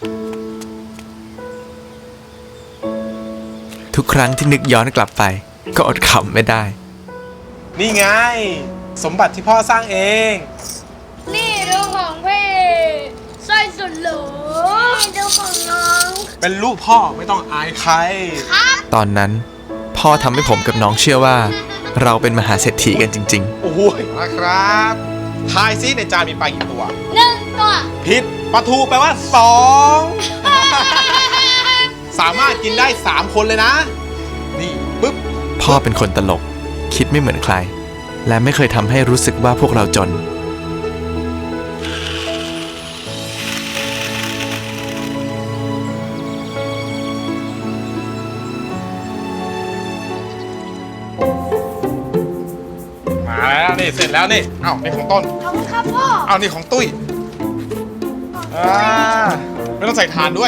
ทุกครั้งที่นึกย้อนกลับไปก็อดขำไม่ได้นี่ไง สมบัติที่พ่อสร้างเองนี่ดูของพี่สร้อยสุดหรูนี่ดูของน้องเป็นลูกพ่อไม่ต้องอายใครตอนนั้นพ่อทำให้ผมกับน้องเชื่อว่า เราเป็นมหาเศรษฐีกันจริงโอ้ยนะครับทายซิในจานมีปลากี่ตัว 1 ตัวผิดปลาทูแปลว่า 2 สามารถกินได้ 3 คนเลยนะ นี่ปึ๊บๆ พ่อเป็นคนตลก คิดไม่เหมือนใคร และไม่เคยทำให้รู้สึกว่าพวกเราจนมาแล้วนี่เสร็จแล้วนี่เอ้านี่ของต้นขอบคุณครับพ่อเอานี่ของตุ้ยไม่ต้องใส่ถ่านด้วย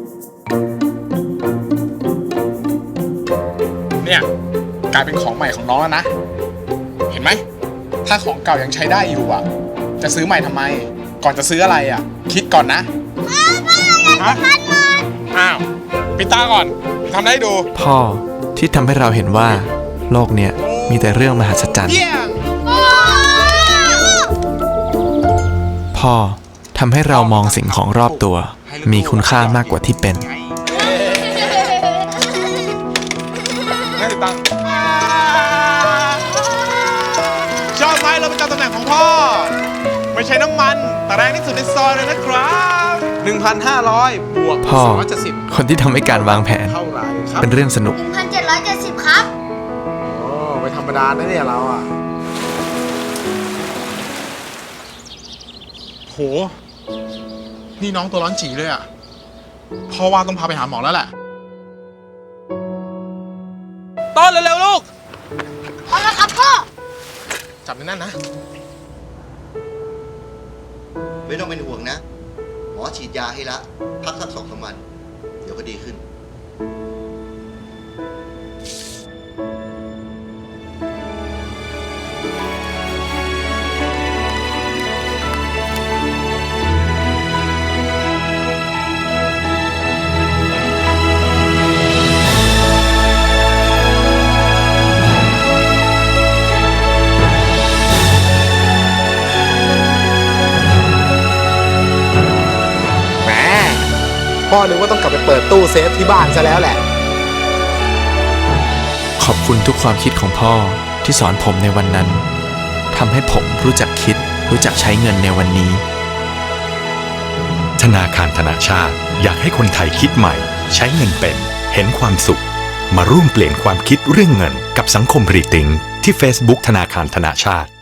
เนี่ยกลายเป็นของใหม่ของน้องแล้วนะ เห็นไหม ถ้าของเก่ายังใช้ได้อยู่อ่ะ จะซื้อใหม่ทำไม ก่อนจะซื้ออะไรอ่ะ คิดก่อนนะฮะอ้าวปิดตาก่อนทำได้ดูพ่อที่ทำให้เราเห็นว่า โลกเนี่ยมีแต่เรื่องมหัศจรรย์เยี่ยงพ่อทำให้เรามองสิ่งของรอบตัว มีคุณค่ามากกว่าที่เป็นให้ติดตั้งชอบไหมเราประจำตำแหน่งของพ่อ ไม่ใช้น้ำมัน แต่แรงที่สุดในซอยเลยนะครับ 1,500 บวกพ่อ 270 คนที่ทำให้การวางแผนเท่าไหร่ครับเป็นเรื่องสนุก 1,770 ครับโอ้ไม่ธรรมดานะเนี่ยเราอ่ะ โห นี่น้องตัวร้อนจีเลยอ่ะพ่อว่าต้องพาไปหาหมอแล้วแหละ ต้นเร็วๆลูกเอาละครับพ่อจับในนั่นนะไม่ต้องเป็นห่วงนะ หมอฉีดยาให้ละ พักสัก2-3 วัน เดี๋ยวก็ดีขึ้นแหมพ่อนึกว่าต้องกลับไปเปิดตู้เซฟที่บ้านซะแล้วแหละขอบคุณทุกความคิดของพ่อที่สอนผมในวันนั้นทำให้ผมรู้จักคิด รู้จักใช้เงินในวันนี้ธนาคารธนาชาติอยากให้คนไทยคิดใหม่ ใช้เงินเป็น เห็นความสุข มาร่วมเปลี่ยนความคิดเรื่องเงินกับสังคมรีติงที่ Facebook ธนาคารธนาชาติ